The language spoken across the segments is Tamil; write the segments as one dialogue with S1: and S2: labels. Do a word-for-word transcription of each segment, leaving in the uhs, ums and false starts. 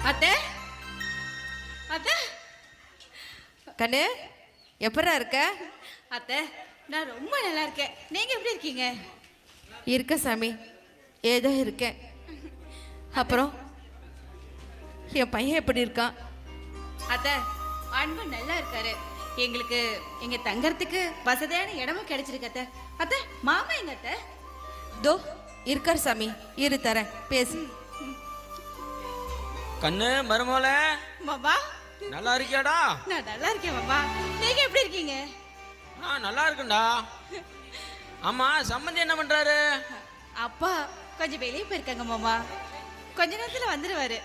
S1: அத்தை அத்தை
S2: கண்ணு எப்படா இருக்க?
S1: அத்தை நான் ரொம்ப நல்லா இருக்கேன். நீங்க எப்படி இருக்கீங்க?
S2: இருக்க சாமி, ஏதோ இருக்கேன். அப்புறம் என் பையன் எப்படி இருக்கான்?
S1: அத்தை அன்பு நல்லா இருக்காரு. எங்களுக்கு எங்க தங்கறதுக்கு வசதியான இடமும் கிடைச்சிருக்கு அத்தை. அத்தை மாமா எங்க அத்தை?
S2: தோ இருக்கார் சாமி, இரு தரேன், பேசு.
S3: கண்ணு மருமோல
S1: மாமா
S3: நல்லா இருக்கியாடா?
S1: நான் நல்லா இருக்கேன் மாமா. நீங்க எப்படி இருக்கீங்க?
S3: ஆ நல்லா இருக்குண்டா. ஆமா சம்பந்தி என்ன பண்றாரு?
S1: அப்பா கொஞ்சம் வெளியே போயிருக்காங்க மாமா. கொஞ்ச நேரத்துல வந்துருவாரு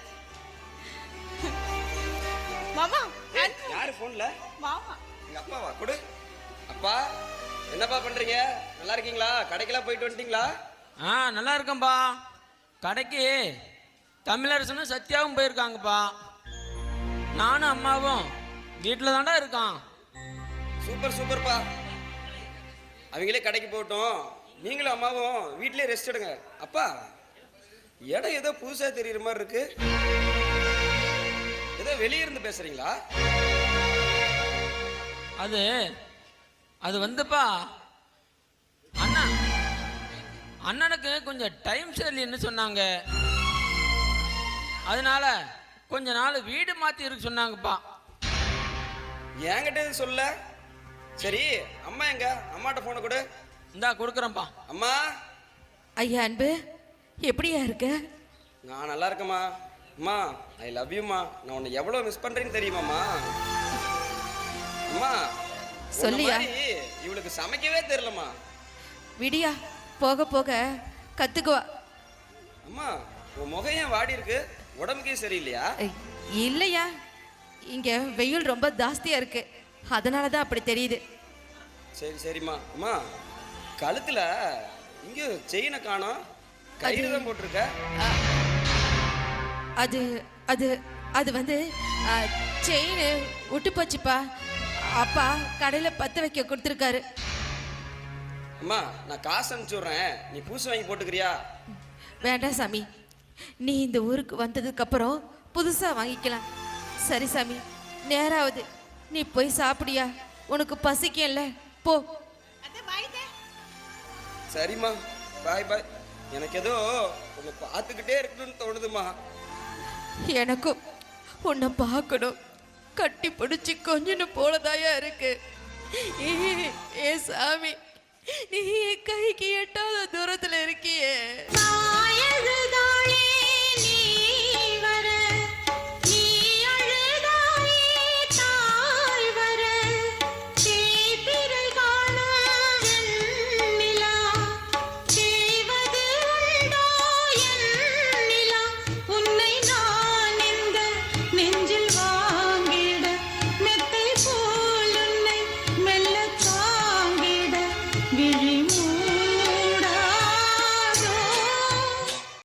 S1: மாமா.
S4: யாரு போன்ல?
S1: மாமா
S4: எங்க அப்பாவா? கொடு. அப்பா என்னப்பா பண்றீங்க? நல்லா இருக்கீங்களா? கடைக்கெல்லாம் போயிட்டு வந்துட்டீங்களா?
S3: ஆ நல்லா இருக்கேன்பா. கடைக்கு தமிழரசனும் சத்யாவும் போயிருக்காங்கப்பா. நானும் அம்மாவும் வீட்டில் தாண்டா இருக்கான்.
S4: சூப்பர் சூப்பர்ப்பா. அவங்களே கடைக்கு போகட்டும், நீங்களும் அம்மாவும் வீட்டிலே ரெஸ்ட் எடுங்க. அப்பா இடம் ஏதோ புதுசா தெரியுற மாதிரி இருக்கு. ஏதோ வெளியே இருந்து பேசுறீங்களா?
S3: அது அது வந்துப்பா அண்ணா அண்ணனுக்கு கொஞ்சம் டைம் சரியில்லைன்னு சொன்னாங்க. அதனால கொஞ்ச நாள் வீடு மாற்றி இருக்க சொன்னாங்கப்பா.
S4: என்கிட்ட எதுவும் சொல்ல. சரி அம்மா எங்க? அம்மாட்ட போனை கொடு.
S3: இந்தா கொடுக்குறேன்ப்பா.
S4: அம்மா.
S2: ஐயா அன்பு, எப்படியா இருக்க?
S4: நான் நல்லா இருக்கேம்மா. அம்மா ஐ லவ் யூம்மா. நான் உன்னை எவ்வளோ மிஸ் பண்ணுறேன்னு தெரியுமாம்மா? அம்மா
S2: சொல்லியா?
S4: இவளுக்கு சமைக்கவே தெரியலம்மா.
S2: விடியா, போக போக கத்துக்குவா.
S4: அம்மா உன் முகம் ஏன் வாடி இருக்கு? உடம்புக்கே சரியில்லையா?
S2: இல்லையா, இங்க வெயில் ரொம்ப ஜாஸ்தியா இருக்கு, அதனால தான் அப்படி தெரியுது.
S4: சரி சரிம்மா. அம்மா கழுத்துல இங்கே செயினை காணோம், கயிறு தான் போட்டிருக்க.
S2: அது அது அது வந்து செயின் விட்டு போச்சுப்பா. அப்பா கடையில் பற்ற வைக்க கொடுத்துருக்காரு.
S4: அம்மா நான் காசு அனுப்பிச்சி விட்றேன், நீ பூசு வாங்கி போட்டுக்கிறியா?
S2: வேண்டாம் சாமி, நீ இந்த ஊருக்கு வந்ததுக்கப்புறம் புதுசாக வாங்கிக்கலாம். சரி சாமி, நேராவது நீ போய் சாப்பிடியா? உனக்கு பசிக்கல, போ.
S4: சரிம்மா, பாய் பாய். எனக்கு ஏதோ உன்னை பார்த்துக்கிட்டே இருக்கணும்னு தோணுதுமா.
S2: எனக்கும் உன்னை பார்க்கணும், கட்டி பிடிச்சி கொஞ்சம் போலதாயா இருக்கு. ஏ சாமி, நீ கைக்கு எட்டாத தூரத்துல இருக்கியே.